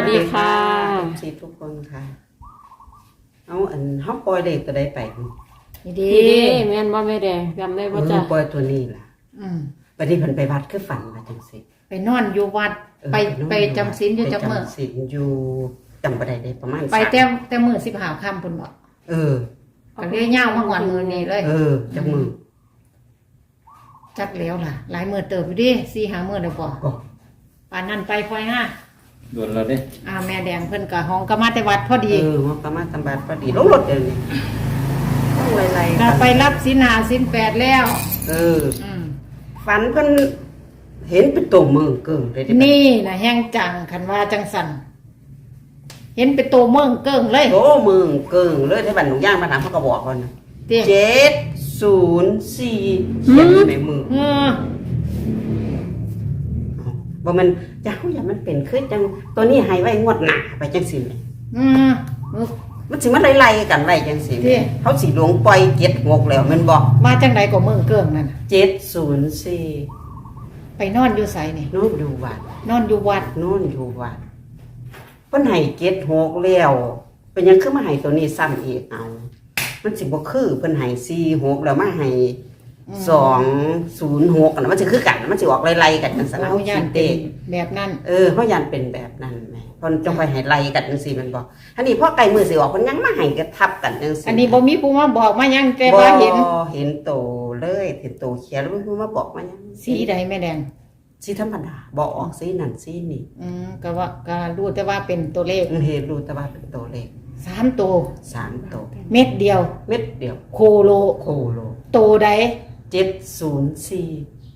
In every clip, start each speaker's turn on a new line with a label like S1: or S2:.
S1: ดีค่ะ
S2: สิทุกคนค่ะเอาเฮาปล่อยเลขตัวใดไป
S1: นี่ดีแม่นบ่แม่แดงจำได้บ่จ้ะ
S2: ปล่อยตัวนี้ล่ะบัดนี้เพิ่นไปวัดคือฝันว่าจังซี่
S3: ไปนอนอยู่วัดไปจำศีลอยู่จักมื้อ
S2: จำศีลอยู่จำบ่ได้ได้ประมาณ
S3: ไปแต่มื้อ15ค่ำพุ่นบ่ก็เลยยาวมาฮอดมื้อนี้เลย
S2: จักมื้อ
S3: จักแล้วล่ะหลายมื้อเติบอยู่ดิ4-5มื้อแล้วบ่ปานนั้นไปพลอยห้า
S4: โดนเราเด้
S3: แม่แดงเพิ่นก็ห้องก็มาแต่วัดพอดี
S2: ฮองก็มาตำบัดพอดีลงรถเดี๋ยวนี้ต้องไล่ๆ
S3: ก็ไปรับศีล5ศีล8แล้ว
S2: ฝันเพิ่นเห็นเป็นตัวมือเกิ่งเลย
S3: นี่น่ะแห้งจังคันว่าจังสั่นเห็นเป็นตัวเมืองเกิ่งเลย
S2: โตมือเกิ่งเลยที่บ้านหนูย่างมาถามเขาก็บอกก่อน704เขียนอยู่ในมือบ่มันจะเฮาอย่ามันเป็นคือจังตัวนี้ให้ไว้งวดหน้าไปจังซี่มันสิมาไล่ๆกันไว้จังซี่เฮาสิหลวงปล่อย76แล้วแม่นบ่
S3: มาจังได๋ก็เมืองเกิ่งนั่น
S2: 704
S3: ไปนอนอยู่ไสนี่
S2: นอนอยู่วัด
S3: นอนอยู่วัด
S2: เพิ่นให้76แล้วเป็นหยังคือมาให้ตัวนี้ซ้ำอีกเอามันสิบ่คือเพิ่นให้46แล้วมาให้206กันมันสิคือกันมันสิออกไล่ๆกันจังซั่น
S3: เฮาย่านเป็นแบบนั้น
S2: เฮาย่านเป็นแบบนั้นแม่เพิ่นจงไปให้ไล่กันจังซี่มันบ่อันนี้พอใกล้มื้อสิออกเพิ่นยังมาให้กระทับกันจังซี่
S3: อันนี้บ่มีผู้มาบอกมายังแต่ว่าเ
S2: ห็นโตเลยเห็นโตเขียนแล้วผู้มาบอกมายัง
S3: สีใดแม่แดง
S2: สีธรรมดาบ่ออกสีนั่นสีนี่
S3: ก็รู้แต่ว่าเป็นตัวเลข
S2: เห็นรู้แต่ว่าเป็นตัวเลข
S3: 3ตัวเม็ดเดียวโคโลโตใด
S2: 704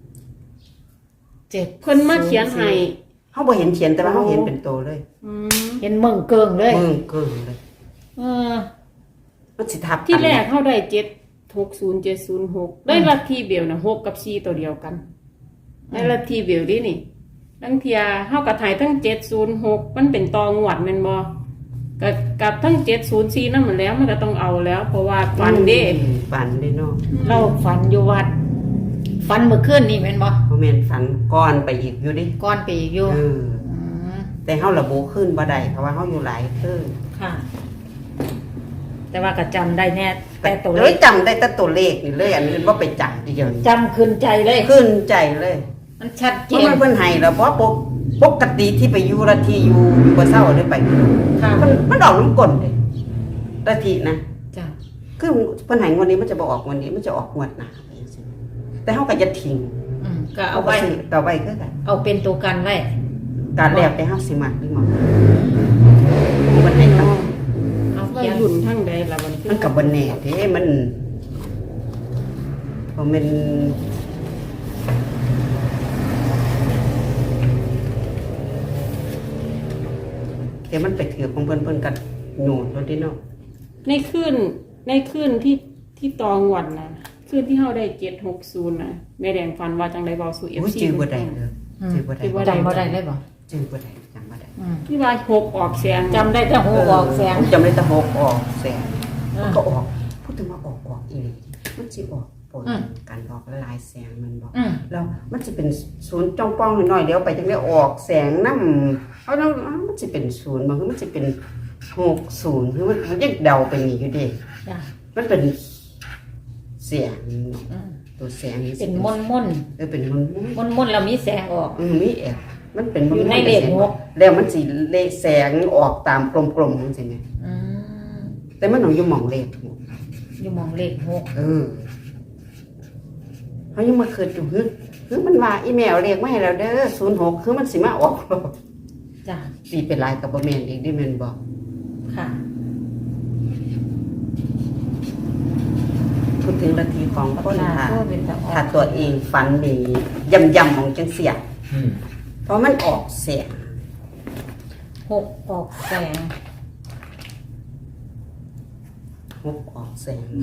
S1: เพิ่นมาเขียนให้
S2: เฮาบ่เห็นเขียนแต่ว่าเฮาเห็นเป็นโตเลย
S3: เห็นเมืองเกิงเลย
S2: มันสิทับ
S1: ที่แรกเฮาได้760706ได้ลัทธิเบลน่ะ6กับ4ตัวเดียวกันได้ลัทธิเบลดินี่ทั้งเทียเฮาก็ถ่ายทั้ง706มันเป็นตองหวัดแม่นบ่กับทั้ง704นั่นมันแล้วมันก็ต้องเอาแล้วเพราะว่าฝันเด้
S2: เนาะ
S3: เราฝันอยู่วัดฝันเมื่อคืนนี่แม่นบ่
S2: แม่นฝันก่อนไปอีกอยู่ดิ
S3: ก่อนไปอีกอยู่
S2: แต่เฮาระบุขึ้นบ่ได้เพราะว่าเฮาอยู่หลายคืน
S3: ค่ะแต่ว่าก็จำได้แน่แต่ตัวเลข
S2: จำได้แต่ตัวเลขนี่เลยอันอื่นบ่ไปจำทีเดียว
S3: จำขึ้นใจเลยมันชัดเจน
S2: เพิ่นให้แล้วเพราะปกติที่ไปอยู่ละที่อยู่บ่เศร้าได้ไปมันออกน้ำก้นเด้ละที่นะ
S3: จ้ะ
S2: คือเพิ่นให้งวดนี้มันจะบ่ออกงวดนี้มันจะออกงวดหน้าไปจังซี่แต่เฮาก็จะทิ้ง
S3: ก็เอาไว้
S2: ต่อไปคือกัน
S3: เอาเป็นตัวกันไว้
S2: การแล้วแต่เฮาสิมักหรือบ่มันให้ต้อง
S1: เอาเขียนรุ่นทั้งใดล่ะ
S2: มันก็บ่แน่เด้มันเพราะมันแต่มันไปถือของเพิ่นกันโหนดรถดิเนาะ
S1: ในคืนที่ตองวันนะคืนที่เฮาได้760นะแม่แดงฝันว่าจังได๋เว้าสู่ FC
S2: จื้อบ่ได้เลยจื้อบ่ได้
S3: จำบ่ได้เลยบ่
S2: จื้อบ่ได้จำบ่ได้
S1: ที่ว่า6ออกแสง
S3: จำได้แต่6ออกแสง
S2: จำได้แต่6ออกแสงมันก็ออกพูดถึงว่าออกอีหลีมันสิออกปนการออกหลายแสงมันบ่แล้วมันสิเป็นศูนย์จ้องป้องน้อยๆเดี๋ยวไปจังได๋ออกแสงนำเอามันสิเป็นศูนย์บ่คือมันสิเป็น60คือมันยังเดาไปนี่อยู่ดิมันเป็นเสียงตัวแสง
S3: เป็นมน
S2: เป็น
S3: มนแล้วมีแสงออก
S2: มีมันเป็น
S3: อยู่ในเลข6
S2: แล้วมันสิเลขแสงออกตามกลมๆจังซี่แม่แต่มันอยู่หม่องเลข
S3: อยู่หม่องเลข6
S2: เฮายังมาคิดอยู่คือมันว่าอีแมวเลขมาให้แล้วเด้อ06คือมันสิมาออก
S3: จ้ะ
S2: สิเป็นลายก็บ่แม่นอีกดิแม่นบ่
S3: ค่ะ
S2: พูดถึงนาทีของคนถ้าตัวเองฝันดีย่ำๆของจังเสียเพราะมันออกเสียง
S3: 6ออกแสง
S2: 6ออกแสง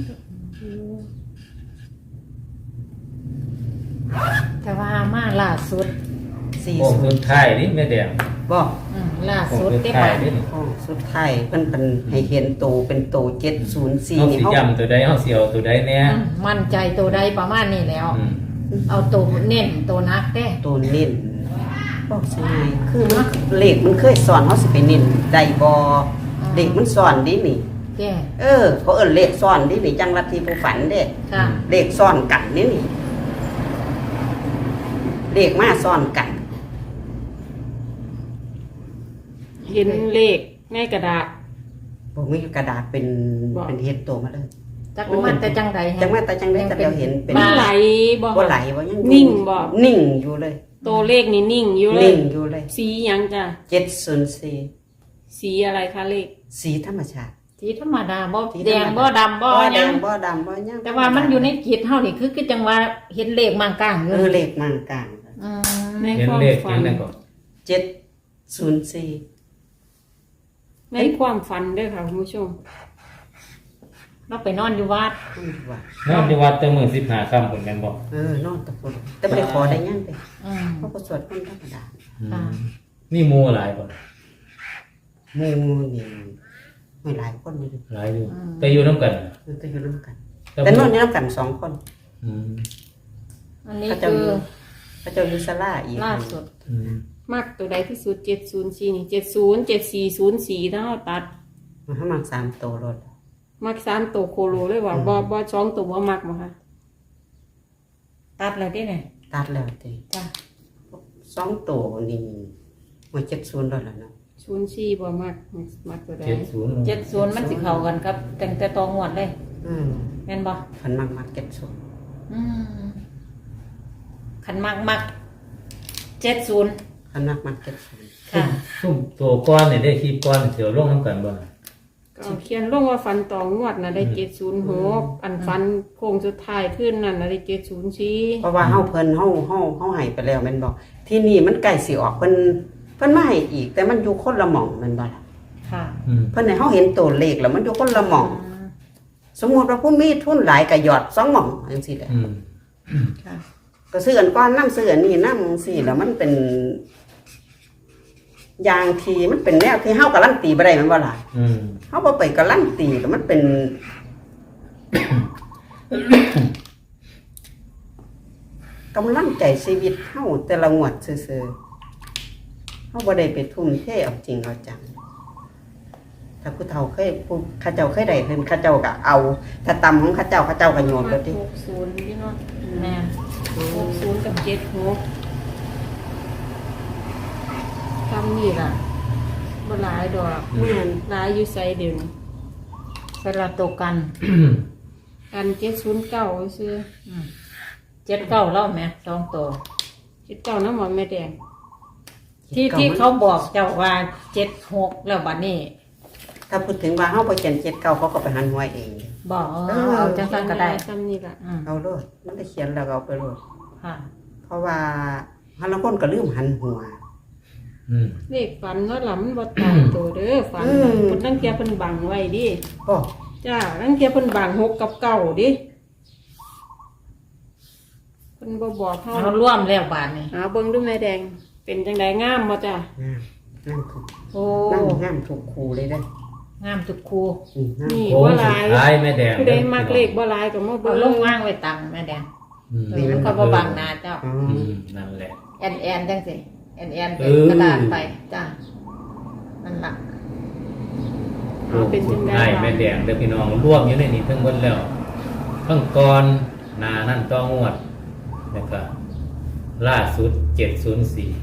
S3: แต่ว่ามาล่าสุด
S4: 40สุดท้ายนี่แม่แดง
S2: บ่
S3: ล่าสุด
S4: ได้ป่ะ
S2: สุดท้ายเพิ่นให้เห็นโตเป็นโต704
S4: นี่เฮาสิย้ำตัวใดเฮาสิเอาตัวใดแน่
S3: มั่นใจตัวใดประมาณนี้แล้วเอาตัวเน้นตัวนักเด้
S2: ตัวเน้นบอกสิไงคือมันเลขมันเคยสอนเขาสิไปเน้นได้บ่เลขมันสอนดินี่
S3: แก่
S2: เขาเอิ้นเลขสอนดินี่จังลัทธิผู้ฝันเด้
S3: ค่ะ
S2: เลขสอนกันนี่เลขมาสอนกัน
S1: เห็นเลขในกระดาษ
S2: บ่มีกระดาษเป็น
S1: บอก
S2: เป็นเฮ็ดโตมาเลย
S3: จักมันแต่จังใด
S2: จังว่าแต่จังได้แต่เราเห็นเป็น
S1: มันไหลบ่
S2: บ่ไหลบ่ยังอยู่
S1: นิ่งบ่
S2: นิ่งอยู่เลย
S1: ตัวเลขนี่นิ่งอยู่เล
S2: นิ่
S1: ย
S2: งอยู่เลย
S1: สีหยังจ้ะ
S2: 704
S1: สีอะไรคะเลข
S2: สีธรรมชาติ
S3: สีธรรมดาบ่
S2: สีธรรมดา
S3: แดงบ่ดำบ่
S2: บ่
S3: ห
S2: แด
S3: ยัง
S2: งบ่ดำบ่หยัง
S3: แต่ว่ามันอยู่ในจิตเฮานี่คือจังว่าเห็นเลขมางกลางอยู่
S2: เลขมางกลาง
S3: อืม
S1: ใน
S4: เห็น
S1: ความ
S4: เลข
S1: ฝั
S4: ยั
S1: น
S4: งไงก่อน
S2: 704
S1: ในความฝันเด้อค่ะคุณผู้ชม
S3: เราไปนอนอยู่วัด
S2: ว่าน
S4: อนที่วัดแต่มื้อ15ค่ำเหมือนกันบ่
S2: นอนตะพุ่นแต่บ่ได้ขอได้หยังไป
S3: อืม
S2: เขาก็สวดคนธรรมดา
S3: ค่ะ
S4: นี่หมู่หลายบ่
S2: หมู่นี่ไม่หลายคนอยู่
S4: หลายอยู่แต่อยู่นํกัน
S2: มันก็อยู่ร่วมกัน แต่นอนอยู่ร่วมกัน2 คน
S4: อืม
S3: อันนี้
S2: พระเจ้า
S3: คือ
S2: พระเจ้าอยู่ศาลาอีก
S3: ล่าสุด
S4: อืม
S1: มากตัวใดที่สุด704นี่70 7404ถ้าเราตัด
S2: มันให้มา3ตัวรถ
S1: มัก3ตัวโคโลเลยว่าบ่2ตัวบ่มักบ่ค่ะ
S3: ตัดแล้วดิเนี่ย
S2: ตัดแล้วติ
S3: จ้ะ
S2: 2ตัวนี่มัน70แล้วล่ะเนาะ
S1: 04บ่มักตัวใด
S4: 70
S3: 70มันสิเข้ากันกับตั้งแต่ตองวดเลย
S2: อืม
S3: แม่นบ่
S2: พันมัก70
S3: อืมคันมัก70
S2: พันมัก70
S3: ค่ะ
S4: ซุ่มตัวก้อนนี่ได้คลิปก้อนเสียวลงนํกันบ่
S1: ก็เขียนลงว่าฟันตองงวดน่ะได้706อันฟันโค้งสุดท้ายขึ้นนั่นน่ะได้704
S2: เพราะว่าเฮาเพิ่นเฮาให้ไปแล้วแม่นบ่ที่นี่มันใกล้สิออกเพิ่นมาให้อีก แต่มันอยู่คนละหม่องแม่นบ่ล่ะ
S3: ค่ะ
S4: อืม
S2: เพิ่นให้เฮาเห็นตัวเลขแล้วมันอยู่คนละหม่อง สมมุติว่าผู้มีทุนหลายก็หยอด2หม่องจังซี่แหละ
S4: อืม
S3: ค่ะ
S2: ก็ซื้ออันก้อนน้ำซื้ออันนี้น้ำจังซี่แล้วมันเป็นอย่างที่มันเป็นแนวที่เฮาการันตีบ่ได้แม่นบ่ล่ะ
S4: อืม
S2: เฮาบ่ไปการันตีแล้วมันเป็น กำลังใจชีวิตเฮาแต่ละงวดซื่อๆเฮาบ่ได้ไปทุ่มเทเอาจริงเอาจังถ้าผู้เฒ่าเคยผู้ข้าเจ้าเคยได้เพิ่นข้าเจ้าก็เอา ถ้าตำของข้าเจ้าก็โยนไปติ
S1: 60พี่เนาะ
S3: แม่น
S1: 60กับ76คำนี้ล่ะบ่หลายดอก
S2: แม่น
S1: หลายอยู่ไสเดี๋ยวนี้
S3: สลับตัวกัน
S1: กัน709ซื่อ
S3: 79เล่าแม่2ตัว
S1: 79น้ำหมอแม่แดง
S3: ที่เขาบอกเจ้าว่า76แล้วบัดนี้
S2: ถ้าพูดถึงว่าเฮาบ่เขียน79เขาก็ไปหันหัวเอง
S3: บอกเอาจังซั่นก็ได้
S1: ซ้ำนี่ล่ะ
S3: อืม
S2: เอาโลดมันได้เขียนแล้วก็เอาไปโลด
S3: ค่ะ
S2: เพราะว่าฮันละคนก็ลืมหันหัว
S4: อืม
S1: เลขฝันเนาะล่ะมันบ่ตายตัวเด้อฝัน
S2: อืม
S1: เพิ่นตั้งเทียเพิ่นบังไว้ดิ
S2: ก็
S1: จ้าตั้งเทียเพิ่นบัง6กับ9ดิเพิ่นบ่บอกเฮา
S3: เอาร่วมแล้วบาดนี้
S1: หาเบิ่งดูแม่แดง เป็นจังไดงามบ่จ้าง
S2: ามถูก
S3: โอ้
S2: งามถูกครูเลยได้
S3: งามทุกครู
S2: งาม
S1: นี่
S4: โค้ง
S1: บ่
S4: สุ
S1: ห
S4: ด
S1: ลาย
S4: ท้ายแม่แดง
S1: ผู้ใดมักเลขบ่หลายก็มา
S3: เอา
S1: เบิ่ง
S3: ลงว่างไว้ตังแม่แดง
S4: อืม
S3: มันก็บ่บังหน้าเจ้า
S2: อ๋อ
S4: อืมนั่นแหละ
S3: แอนจังสิแอนเป็น
S4: เออ
S3: กระดาษไปจ้านั่นล่ะ
S1: เอาเป็นจังได๋
S4: ให้แม่แดงเด้อพี่น้องรวมอยู่ในนี้ทั้งหมดแล้วทั้งก่อนหน้านั่นต้องงวดแล้วก็ล่าสุด704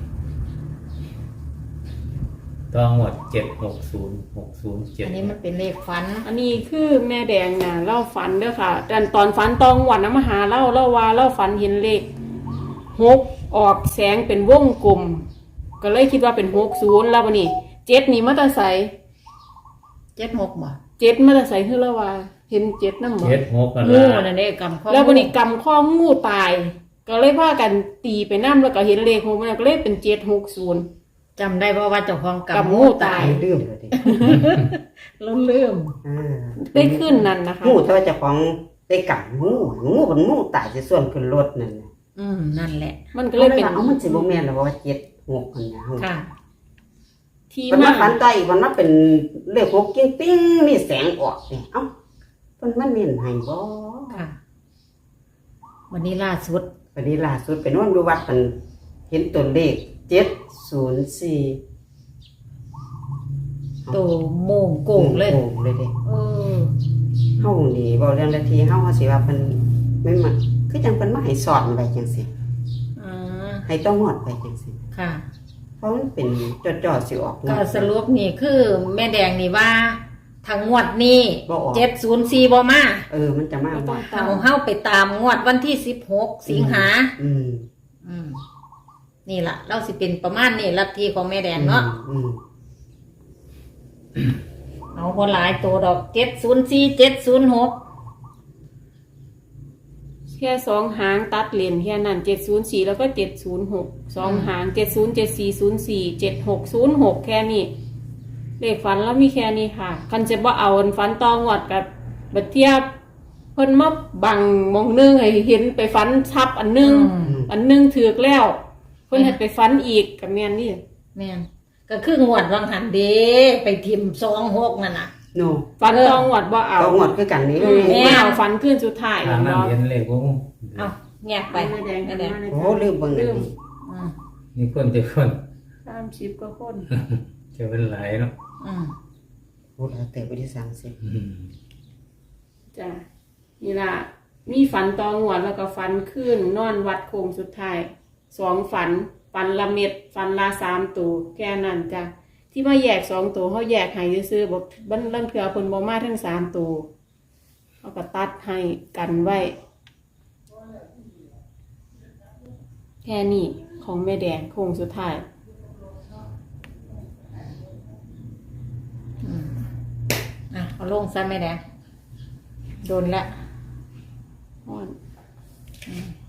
S4: ต้องงวด760
S3: อันนี้มันเป็นเลขฟัน
S1: อันนี้คือแม่แดงน่ะเล่าฝันเด้อค่ะตอนฝันตองวันน่ะมาหาเล่าว่าเล่าฝันเห็นเลข6ออกแสงเป็นวงกลม ก็เลยคิดว่าเป็น60แล้วบัดนี้7นี่มาแต่ไส
S3: 76บ่
S1: 7มาแต่ไสคือแล้วว่า เห็น7นำบ่
S4: 76นั่น
S3: งู
S4: ล่ะ
S3: นั่นเด้กำข้อ
S1: แล้ววันนี้กำข้องูตาย ก็เลยพากันตีไปน้ำแล้วก็เห็นเลขของมันก็เลยเป็น760
S3: จำได้เพราะว่าเจ้าของ
S1: กำ
S3: กำ
S1: งู
S3: งู
S1: ตา
S3: ตาย ย
S2: ลืมเลยดิ
S3: แล้วลืม
S1: ได้ขึ้นนั่นนะคะ
S2: งูแต่ว่าเจ้าของได้กังูมันงูตายสิส่วนขึ้นรถนั่นน่ะ
S3: นั่นแหละ
S1: มันก็
S2: ก็
S1: เล
S2: เลย ย
S1: เป็น
S2: ว่าเอามันสิบ่แม่นแล้วว่า76อันน่ะ
S3: ค่ะ
S1: ที่
S2: มัน
S1: มา
S2: มาฝันใจมันมาเป็นเลข6กิ้งปิ้งมีแสงออกนี่เอ้าเพิ่นมันเน้นให้บ่
S3: ค่ะ วันนี้ล่าสุด
S2: วันนี้ล่าสุดไปนอนอยู่วัดมันเห็นตัวเลข 704
S3: โตโมงโกงเลย
S2: โกงเลยเด้
S3: เออ
S2: เฮานี่บ่เรื่องละทีเฮาสิว่าเพิ่นไม่มาคือจังเพิ่นมาให้สอนไว้จังซี่
S3: อ่า
S2: ให้ต้องงอดไว้จังซี่
S3: ค่ะ
S2: เพราะมันเป็นจอดๆสิออก
S3: ก็สรุปนี่คือแม่แดงนี่ว่าทางงวดนี้
S2: บ่ออก
S3: 704บ่มา
S2: มันจะมา
S1: ก็ต้
S2: บ่
S1: อง
S3: เฮาไปตามงวดวันที่16สิงหา
S2: อืม
S3: นี่ล่ะ เราสิเป็นประมาณนี้ลัทธิของแม่แดงเนาะ
S2: อืม
S3: เอาบ่หลายตัวดอก704 706
S1: แค่สองหางตัดเลนแค่นั้น704แล้วก็706สองหาง707404 7606แค่นี้เลขฝันแล้วมีแค่นี้ค่ะคันจะบ่เอาอันฝันตองวดกับบัดเทียบเพิ่นมาบังมองนึงให้เห็นไปฝันทับอันนึง อันนึงถูกแล้วเพิ่นให้ไปฝันอีกกับแม่นนี่
S3: แม่นก็คืองวดวังหันเด้ไปทิม26นั่นน่ะ
S2: โน
S1: ฝันตองวดบ่เอา
S2: ก็งอดคือกันนี่
S1: ไม่เอาฝันขึ้นสุดท้าย
S4: ทางนั้น
S1: เนาะ
S4: เห็นเลขผม
S3: เอาแงกไป
S1: แม่แดง
S3: แม่แดง
S2: โอ้ลืมเบิ่งอันนี้
S3: อืม
S4: นี่คนจะคน
S1: 30กว่าคน
S4: จะเป็นหลายเนาะ
S3: อืม
S2: พูดแล้วแต่ไปที่30
S4: อืม
S1: จ้ะนี่ล่ะมีฝันตองวดแล้วก็ฝันขึ้นนอนวัดโคงสุดท้าย2ฝันละเม็ดฝันละ3ตัวแค่นั้นจ้ะที่มาแยก2ตัวเขาแยกให้ซื่อๆบอกบันลังเทื่อเพิ่นบ่มาทั้ง3ตัวเขาก็ตัดให้กันไว้ แค่นี้ของแม่แดงโคงสุดท้าย
S3: เอาลงซะแม่แดงโดนละ
S1: ฮ้อน
S3: อืม